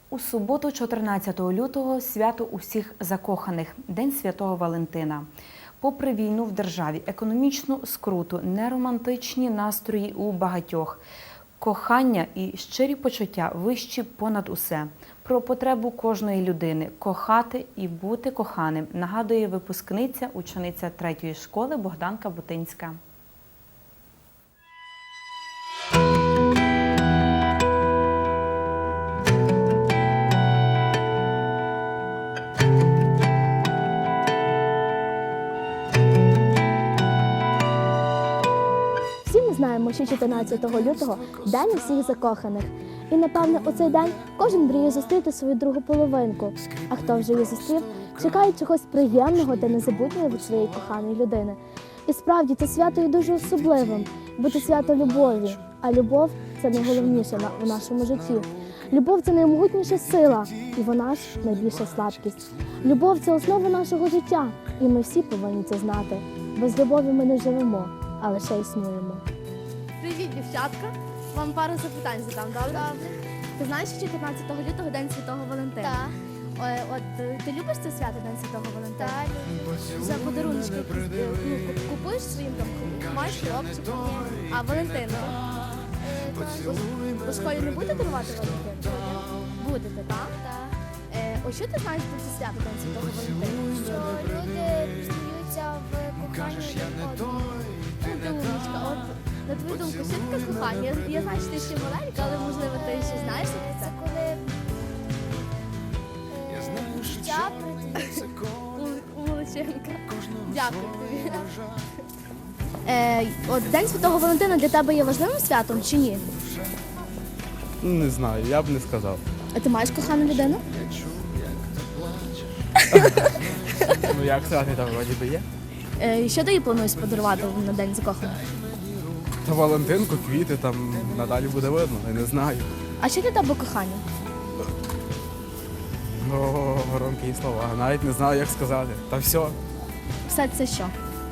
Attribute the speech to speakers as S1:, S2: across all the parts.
S1: У суботу, 14 лютого, свято усіх закоханих – День Святого Валентина. Попри війну в державі, економічну скруту, неромантичні настрої у багатьох, кохання і щирі почуття вищі понад усе. Про потребу кожної людини – кохати і бути коханим, нагадує випускниця, учениця 3-ї школи Богданка Бутинська.
S2: Всі ми знаємо, що 14 лютого – День усіх закоханих. І, напевне, у цей день кожен мріє зустріти свою другу половинку. А хто вже її зустрів, чекає чогось приємного та незабутнього від своєї коханої людини. І справді, це свято є дуже особливим, бо це свято любові. А любов – це найголовніше в нашому житті. Любов – це наймогутніша сила, і вона ж найбільша слабкість. Любов – це основа нашого життя, і ми всі повинні це знати. Без любові ми не живемо, а лише існуємо. Привіт, дівчатка! Вам пару запитань задам, добре? Ти знаєш, що 14 лютого День Святого Валентина?
S3: Так.
S2: От ти любиш це свято День Святого Валентина?
S3: Так, люблю.
S2: За подарунки купуєш своїм там маєш хлопчика? А Валентина? У школі не будете дарувати Валентину? Будете, так?
S3: Так.
S2: Ось що ти знаєш про це свято День Святого Валентина?
S3: Що люди пізнаються в коханні один одного.
S2: Ти умничка. От, на твою думку, що таке кохання? Я знаю, що ти ще маленька, але можливо ти ще знаєш про це?
S3: Це коли життя придивиться.
S2: Молодчинка. Дякую тобі. От День Святого Валентина для тебе є важливим святом чи ні?
S4: Не знаю, я б не сказав.
S2: А ти маєш кохану людину?
S4: Ну як сказати, там вроді би є.
S2: Що ти їй плануєш подарувати на День закоханих?
S4: Та Валентинку, квіти, там надалі буде видно, я не знаю.
S2: А що для тебе кохання?
S4: О, громкі слова, навіть не знаю, як сказати. Та все.
S2: Все це що?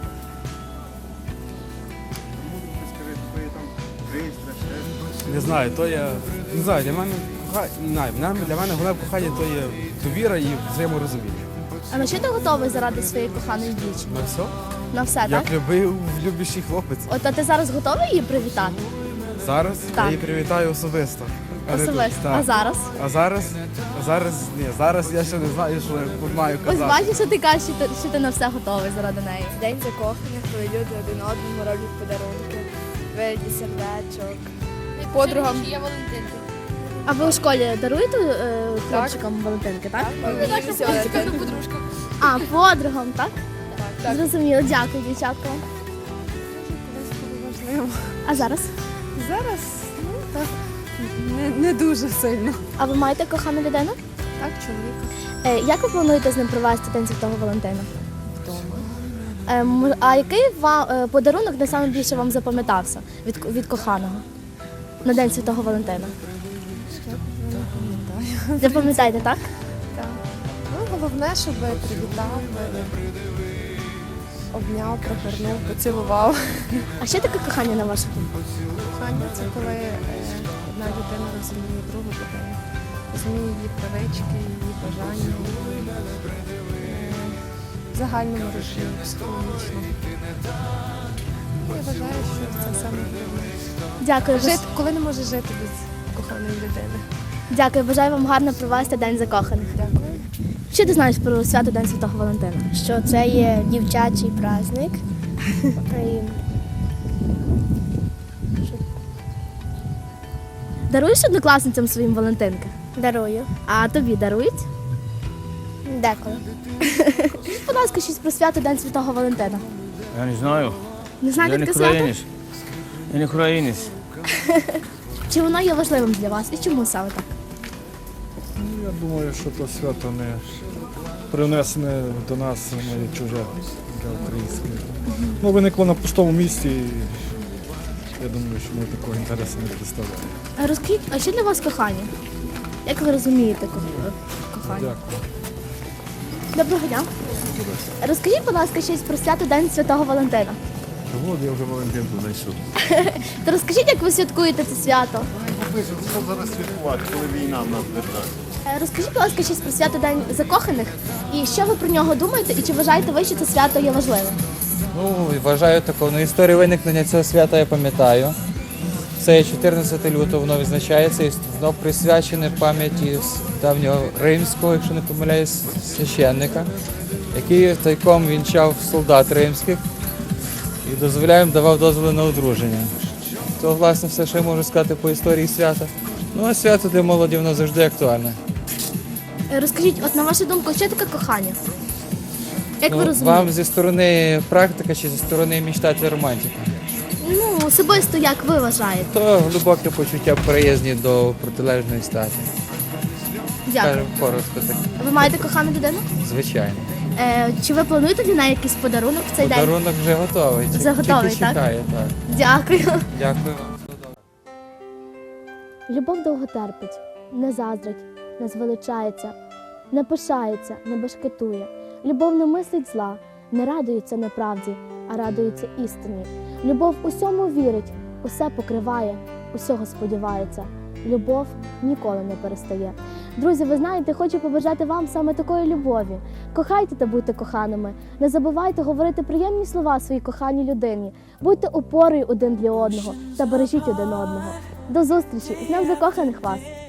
S4: Не знаю, то є. Не знаю, для мене для мене головне кохання то є довіра і взаєморозуміння.
S2: А на що ти готовий заради своєї коханої дівчини?
S4: На все?
S2: На все, так?
S4: Як любив любящий хлопець.
S2: От а ти зараз готовий її привітати?
S4: Зараз
S2: Так.
S4: я її привітаю особисто. А не тут.
S2: Особисто.
S4: Так.
S2: А зараз?
S4: Зараз я ще не знаю, що я маю
S2: Ось
S4: казати.
S2: бачиш, що ти кажеш, що ти на все готовий заради неї.
S5: День закоханих, коли люди один одному роблять подарунки, вигляді сердечок. Подругам.
S2: А ви у школі даруєте хлопчикам Валентинки, так? А, подругам, так?
S5: Так.
S2: Зрозуміло, дякую, дівчатка. А зараз?
S5: Зараз не дуже сильно.
S2: А ви маєте кохану людину?
S5: Так, чоловіка.
S2: Як ви плануєте з ним провести День Святого Валентина? Вдома. А який подарунок найбільше вам запам'ятався від коханого на День Святого Валентина? Запам'ятаєте, так?
S5: Так. Ну, головне, щоб привітав, обняв, пригорнув, поцілував.
S2: А що таке кохання на вашу думку?
S5: Кохання – це коли одна людина розуміє другу людину, розуміє її привички, її бажання, в загальному розумінні, психологічно. Я вважаю, що це саме головне.
S2: Дякую.
S5: Коли не можеш жити без коханої людини.
S2: Дякую, бажаю вам гарно провести День закоханих.
S5: Дякую.
S2: Що ти знаєш про свято День Святого Валентина?
S3: Що це є дівчачий праздник.
S2: Даруєш однокласницям своїм Валентинки?
S3: Дарую.
S2: А тобі дарують?
S3: Деколи.
S2: Будь ласка, щось про свято День Святого Валентина.
S6: Я не знаю.
S2: Не
S6: Я
S2: знаєте
S6: не
S2: таке свято?
S6: українець. Я не українець.
S2: Чи воно є важливим для вас? І чому саме так?
S7: Я думаю, що то свято не принесене до нас, воно є чуже для українське. Ну, виникло на пустому місці, і я думаю, що ми такого інтересу не представляємо.
S2: А розкажіть, а що для вас кохання? Як ви розумієте кохання?
S7: Дякую.
S2: Доброго дня. Розкажіть, будь ласка, щось про свято День Святого Валентина.
S6: От я вже Валентинку знайшов.
S2: То розкажіть, як ви святкуєте це свято?
S8: Що зараз святкувати, коли війна в нас в державі?
S2: Розкажіть, будь ласка, щось про свято День закоханих, і що ви про нього думаєте, і чи вважаєте ви, що це свято є важливим?
S8: Ну, вважаю таку. Ну, історію виникнення цього свята я пам'ятаю. Це є 14 лютого, воно відзначається, і воно присвячене пам'яті давнього римського, якщо не помиляюсь, священника, який тайком вінчав солдат римських і давав дозволи на одруження. То, власне, все, що я можу сказати по історії свята. Ну, а свято для молоді воно завжди актуальне.
S2: Розкажіть, от на вашу думку, що таке кохання? Як ви
S8: Ну,
S2: розумієте?
S8: вам зі сторони практика чи зі сторони мечтателя романтика?
S2: Ну, особисто, як ви вважаєте?
S8: То глибоке почуття приязні до протилежної статі.
S2: Дякую.
S8: Скажемо коротко так.
S2: Ви маєте кохану людину?
S8: Звичайно.
S2: Чи ви плануєте для неї якийсь подарунок в цей день?
S8: Подарунок вже готовий.
S2: Вже готовий,
S8: Тільки
S2: так?
S8: чекає, так.
S2: Дякую.
S8: Дякую вам.
S2: Любов довго терпить, не заздрить, не звеличається, не пишається, не башкетує. Любов не мислить зла, не радується неправді, а радується істині. Любов усьому вірить, усе покриває, усього сподівається. Любов ніколи не перестає. Друзі, ви знаєте, хочу побажати вам саме такої любові. Кохайте та будьте коханими. Не забувайте говорити приємні слова своїй коханій людині. Будьте опорою один для одного та бережіть один одного. До зустрічі! З Днем закоханих вас!